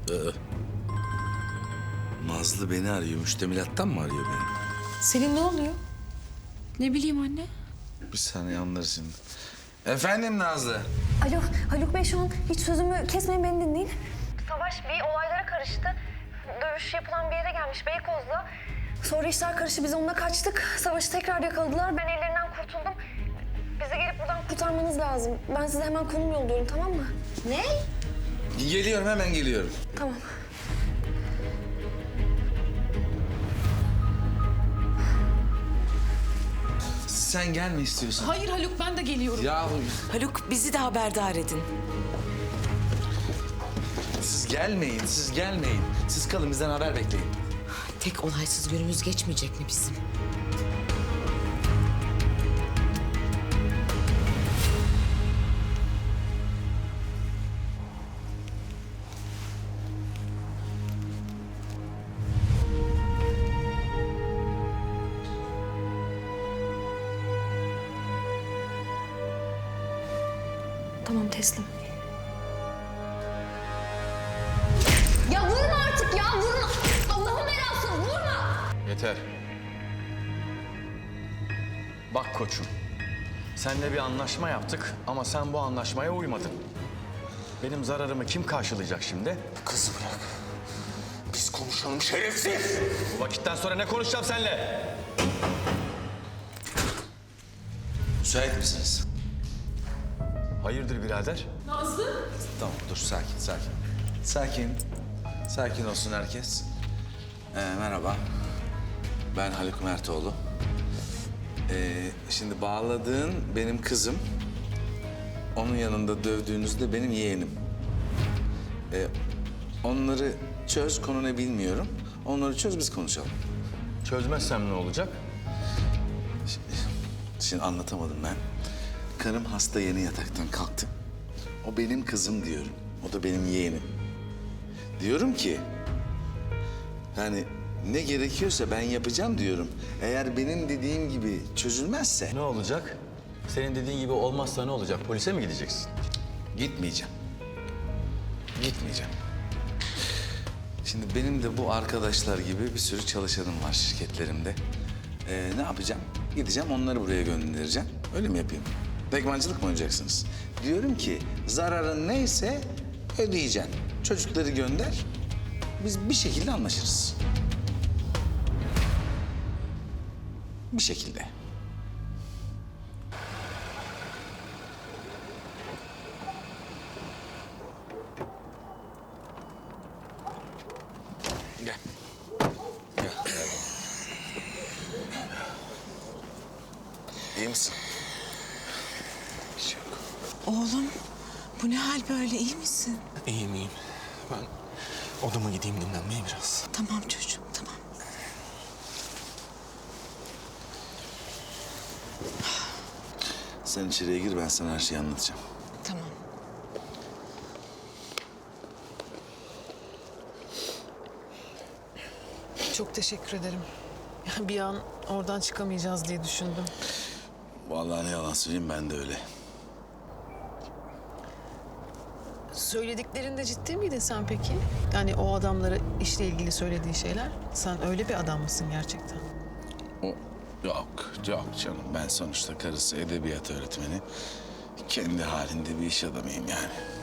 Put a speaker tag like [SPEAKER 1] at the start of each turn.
[SPEAKER 1] Nazlı beni arıyor. Müştemilattan mı arıyor beni?
[SPEAKER 2] Selin ne oluyor?
[SPEAKER 3] Ne bileyim anne.
[SPEAKER 1] Bir saniye anlarız şimdi. Efendim Nazlı?
[SPEAKER 4] Alo, Haluk Bey şu an hiç sözümü kesmeyin, beni dinleyin. Savaş bir olaylara karıştı. Dövüş yapılan bir yere gelmiş Beykoz'da. Sonra işler karıştı, biz onunla kaçtık. Savaş'ı tekrar yakaladılar, ben ellerinden kurtuldum. Bizi gelip buradan kurtarmanız lazım. Ben size hemen konum yolluyorum, tamam mı? Ne?
[SPEAKER 1] Geliyorum, hemen geliyorum.
[SPEAKER 4] Tamam.
[SPEAKER 1] Sen gelme istiyorsan.
[SPEAKER 3] Hayır Haluk, ben de geliyorum.
[SPEAKER 1] Ya
[SPEAKER 2] Haluk bizi de haberdar edin.
[SPEAKER 1] siz gelmeyin, siz gelmeyin. Siz kalın, bizden haber bekleyin.
[SPEAKER 2] Tek olaysız günümüz geçmeyecek mi bizim?
[SPEAKER 4] Tamam, teslim. Ya vurma artık ya, vurma! Allah'ın belası, vurma!
[SPEAKER 5] Yeter. Bak koçum, seninle bir anlaşma yaptık ama sen bu anlaşmaya uymadın. Benim zararımı kim karşılayacak şimdi?
[SPEAKER 6] Kızı bırak. Biz konuşalım şerefsiz.
[SPEAKER 5] Bu vakitten sonra ne konuşacağım seninle?
[SPEAKER 1] Müsait misiniz?
[SPEAKER 5] Hayırdır birader?
[SPEAKER 1] Tamam, dur sakin, sakin. Sakin. Sakin olsun herkes. Merhaba. Ben Haluk Mertoğlu. Şimdi bağladığın benim kızım. Onun yanında dövdüğünüz de benim yeğenim. Onları çöz, konu ne bilmiyorum. Onları çöz, biz konuşalım.
[SPEAKER 5] Çözmezsem ne olacak?
[SPEAKER 1] Şimdi anlatamadım ben. Karım hasta, yeni yataktan kalktı. O benim kızım diyorum. O da benim yeğenim. Diyorum ki... yani ne gerekiyorsa ben yapacağım diyorum. Eğer benim dediğim gibi çözülmezse
[SPEAKER 5] Ne olacak? Senin dediğin gibi olmazsa ne olacak? Polise mi gideceksin?
[SPEAKER 1] gitmeyeceğim. Gitmeyeceğim. Şimdi benim de bu arkadaşlar gibi bir sürü çalışanım var şirketlerimde. Ne yapacağım? Gideceğim, onları buraya göndereceğim. Öyle mi yapayım? Pekmancılık mı oynayacaksınız? Diyorum ki zararın neyse ödeyeceksin. Çocukları gönder. Biz bir şekilde anlaşırız. Bir şekilde. Gel. Gel. İyi misin? Bir şey yok.
[SPEAKER 2] Oğlum bu ne hal böyle, iyi misin?
[SPEAKER 6] İyiyim iyiyim. Ben odama gideyim dinlenmeye biraz.
[SPEAKER 2] Tamam çocuğum, tamam.
[SPEAKER 1] Sen içeriye gir, ben sana her şeyi anlatacağım.
[SPEAKER 2] Tamam.
[SPEAKER 7] Çok teşekkür ederim. Bir an oradan çıkamayacağız diye düşündüm.
[SPEAKER 1] Vallahi ne yalan söyleyeyim, ben de öyle.
[SPEAKER 7] Söylediklerinde ciddi miydin sen peki? Yani o adamlara işle ilgili söylediği şeyler. Sen öyle bir adam mısın gerçekten?
[SPEAKER 1] Yok canım. Ben sonuçta karısı edebiyat öğretmeni. Kendi halinde bir iş adamıyım yani.